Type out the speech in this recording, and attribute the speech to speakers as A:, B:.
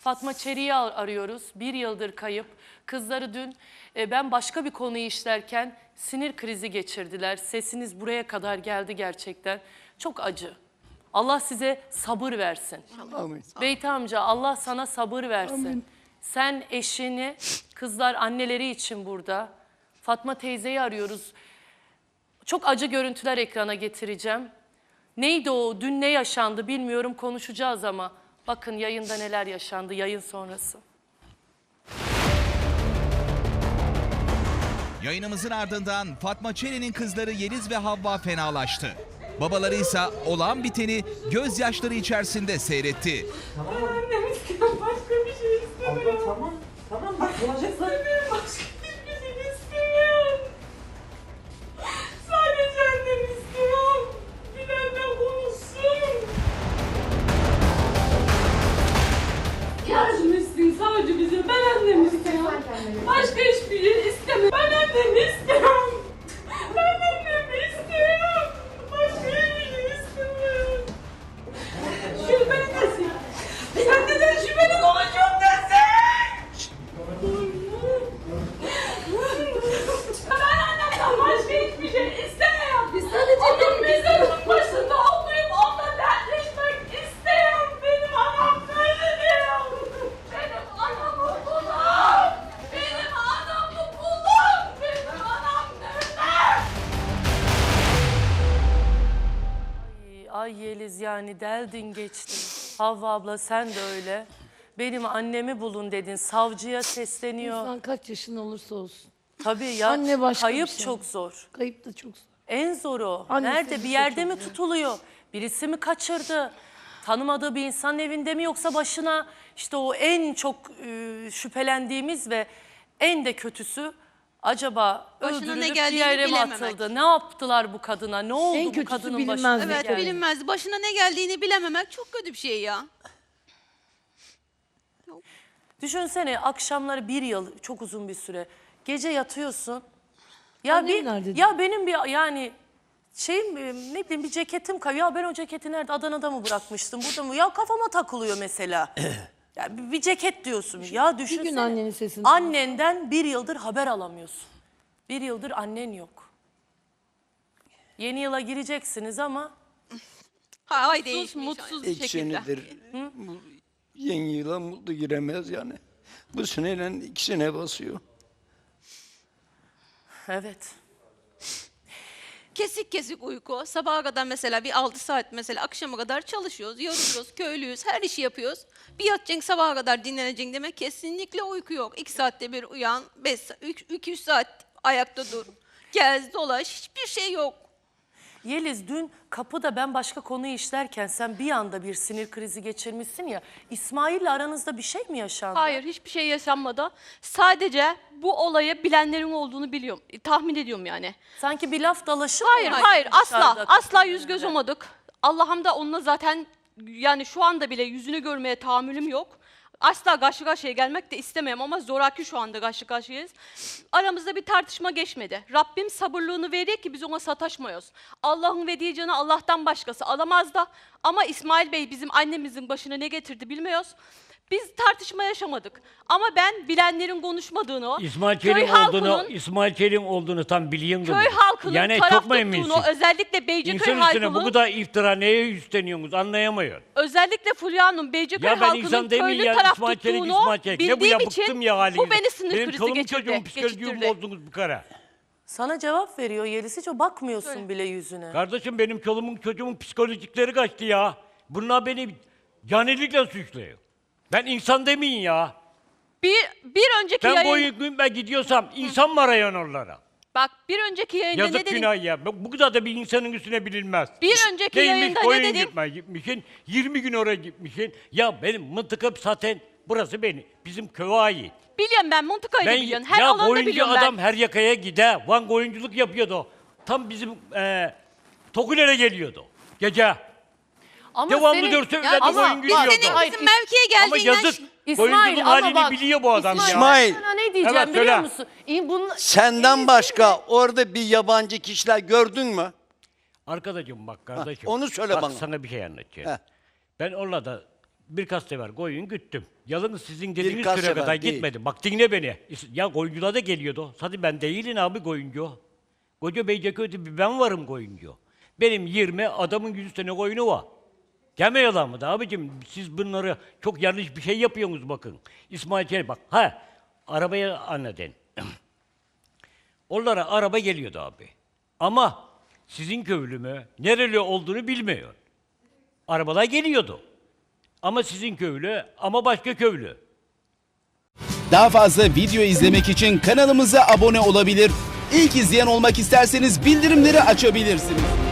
A: Fatma Çeri'yi arıyoruz. 1 yıldır kayıp. Kızları dün ben başka bir konuyu işlerken sinir krizi geçirdiler. Sesiniz buraya kadar geldi gerçekten. Çok acı. Allah size sabır versin.
B: Amin.
A: Beyti amca Allah sana sabır versin.
B: Amin.
A: Sen eşini, kızlar anneleri için burada. Fatma teyzeyi arıyoruz. Çok acı görüntüler ekrana getireceğim. Neydi o? Dün ne yaşandı bilmiyorum, konuşacağız ama. Bakın yayında neler yaşandı, yayın sonrası.
C: Yayınımızın ardından Fatma Çeri'nin kızları Yeliz ve Havva fenalaştı. Babaları ise olan biteni gözyaşları içerisinde seyretti.
D: Annem istiyorum, başka bir şey istemiyorum.
E: Abla tamam bak olacak zaten.
D: İstemiyorum, başka hiçbir şey istemiyorum. Sadece annem istiyorum. Bilal'le konuşsun. Yardım etsin sadece bize. Ben annemi istiyorum. Başka hiçbir şey istemiyorum. Ben annemi istiyorum. Ben annemi istiyorum. Başka hiçbir şey istemiyorum. Şüpheli desin. Sen neden şüpheli konuşuyorsun desin? Ben annemden başka hiçbir şey istemiyorum. Biz sadece onun mezarının başında olayım, onunla dertleşmek istiyorum. Benim anam nerede diyorum. Benim anamı bulun. Benim anamı bulun. Benim anam nerede?
A: Ay Yeliz yani deldin geçtin. Havva abla sen de öyle. Benim annemi bulun dedin. Savcıya sesleniyor.
B: İnsan kaç yaşın olursa olsun.
A: Tabii ya
B: Anne başka
A: kayıp
B: bir şey.
A: çok zor.
B: Kayıp da çok zor.
A: En zoru.
B: Annesi
A: Nerede?
B: bir
A: Bir
B: şey
A: yerde
B: çok
A: mi
B: zor.
A: tutuluyor? Birisi mi kaçırdı? Tanımadığı bir insanın evinde mi, yoksa başına işte o en çok şüphelendiğimiz ve en de kötüsü acaba
F: Başına ne
A: öldürülüp bir
F: geldiğini
A: yere mi
F: bilememek.
A: atıldı? Ne yaptılar bu kadına? Ne oldu
B: En
A: bu
B: kötüsü
A: kadının başına?
B: bilinmez.
F: Evet
A: geldi?
F: bilinmez. Başına ne geldiğini bilememek çok kötü bir şey ya.
A: Düşünsene akşamları 1 yıl çok uzun bir süre. Gece yatıyorsun. Ya
B: Annem nerede?
A: ya benim bir yani şeyim ne bileyim bir ceketim kayıyor. Ya ben o ceketi nerede? Adana'da mı bırakmıştım? Burada mı? Ya kafama takılıyor mesela. Ya bir ceket diyorsun. Ya düşünsene.
B: annenin sesini
A: Annenden 1 yıldır haber alamıyorsun. 1 yıldır annen yok. Yeni yıla gireceksiniz ama
F: Hay değişmiş.
D: Mutsuz bir
B: E,
D: şekilde.
G: senedir yeni yıla mutlu giremez yani. Bu seneyle 2 sene basıyor.
A: evet.
F: Kesik kesik uyku. Sabaha kadar mesela bir 6 saat mesela akşama kadar çalışıyoruz, yoruluyoruz, köylüyüz, her işi yapıyoruz. Bir yatacaksın sabaha kadar dinleneceksin demek kesinlikle uyku yok. 2 saatte bir uyan, 2-3 saat ayakta dur. Gez dolaş, hiçbir şey yok.
A: Yeliz dün kapıda ben başka konuyu işlerken sen bir anda bir sinir krizi geçirmişsin ya. İsmail'le aranızda bir şey mi yaşandı?
D: Hayır, hiçbir şey yaşanmadı. Sadece bu olayı bilenlerin olduğunu biliyorum. Tahmin ediyorum yani.
A: Sanki bir laf dalaşı mı
D: Hayır,
A: var
D: hayır,
A: dışarıda
D: asla. Asla
A: kapının
D: yüz göz
A: önünde?
D: olmadık. Allah'ım da onunla zaten yani şu anda bile yüzünü görmeye tahammülüm yok. Asla karşı karşıya gelmek de istemem ama zoraki şu anda karşı karşıyayız. Aramızda bir tartışma geçmedi. Rabbim sabırlığını veriyor ki biz ona sataşmıyoruz. Allah'ın verdiği canı Allah'tan başkası alamaz da. Ama İsmail Bey bizim annemizin başına ne getirdi bilmiyoruz. Biz tartışma yaşamadık. Ama ben bilenlerin konuşmadığını,
E: İsmail
D: köy
E: Çelik'in
D: halkının
E: olduğunu tam biliyorsun.
D: köy halkının
E: yani
D: taraf
E: çok mu
D: tuttuğunu,
E: eminsin?
D: özellikle Beyciköy
E: İnsan üstüne bu
D: halkının,
E: kadar iftira neye üstleniyorsunuz anlayamıyorum.
D: özellikle Fulya Hanım Beyciköy
E: Ya ben
D: halkının
E: insan değil miyim
D: köylü
E: ya
D: taraf
E: İsmail Çelik,
D: tuttuğunu
E: İsmail Çelik. Ne bu
D: bildiğim
E: ya bıktım
D: için
E: ya halinize.
D: bu beni sinir
E: Benim
D: krizi
E: çoluğum
D: geçirdi.
E: çocuğum psikolojimi
D: geçirtirdi.
E: bozdunuz bu kara.
A: Sana cevap veriyor Yeliz, hiç o bakmıyorsun
D: Öyle.
A: bile yüzüne.
E: Kardeşim benim çoluğumun çocuğumun psikolojikleri kaçtı ya. Bunlar beni canilikle suçluyor. Ben insan demeyin ya.
D: Bir önceki
E: Ben
D: yayın,
E: boyun ben gidiyorsam insan mı arayan onlara?
D: bak bir önceki yayında
E: Yazık
D: ne dedim?
E: günah ya. Bu kadar da bir insanın üstüne bilinmez.
D: Bir önceki
E: Neymiş,
D: yayında ne
E: koyun
D: dedim?
E: gitmişsin, 20 gün oraya gitmişsin. Ya benim mıntıka zaten burası bizim köye ait.
D: Biliyorum ben Montika'yı da biliyorum. Her
E: ya
D: alanda
E: oyuncu
D: biliyorum
E: adam
D: ben.
E: her yakaya gider. Van oyunculuk yapıyordu o. Tam bizim Tokuler'e geliyordu gece.
A: Ama
E: Devamlı
A: senin-
E: dörtte öyle
A: ama
E: oyun
A: bak,
E: gülüyordu.
F: Senin
A: Hayır,
F: bizim mevkiye
E: Ama
F: geldiğinden
E: yazık.
A: İsmail,
E: Oyunculuk
A: ama
E: halini
A: bak,
E: biliyor bu adam
G: İsmail.
A: Ben sana ne diyeceğim
E: Evet,
A: biliyor
E: söyle.
A: musun? Bunun,
G: Senden başka orada bir yabancı kişiler gördün mü?
E: Arkadaşım bak kardeşim.
G: onu söyle
E: bak,
G: bana.
E: sana bir şey anlatacağım.
G: Heh.
E: Ben orada birkaç sefer koyun güttüm. Yalnız sizin dediğiniz
H: Birkaç
E: süre
H: sefer
E: kadar
H: değil.
E: gitmedim. Bak dinle beni. Ya koyuncular da geliyordu. Hadi ben değilim abi koyuncu. Koca Beyceköy'de bir ben varım koyuncu. Benim 20, adamın 100 tane koyunu var. Deme yalan mı da abicim? Siz bunları çok yanlış bir şey yapıyorsunuz bakın. İsmail Çelik bak. Arabaya anladın. Onlara araba geliyordu abi. Ama sizin köylü mü, nereli olduğunu bilmiyor. Arabalar geliyordu. Ama sizin köylü, ama başka köylü.
I: Daha fazla video izlemek için kanalımıza abone olabilir. İlk izleyen olmak isterseniz bildirimleri açabilirsiniz.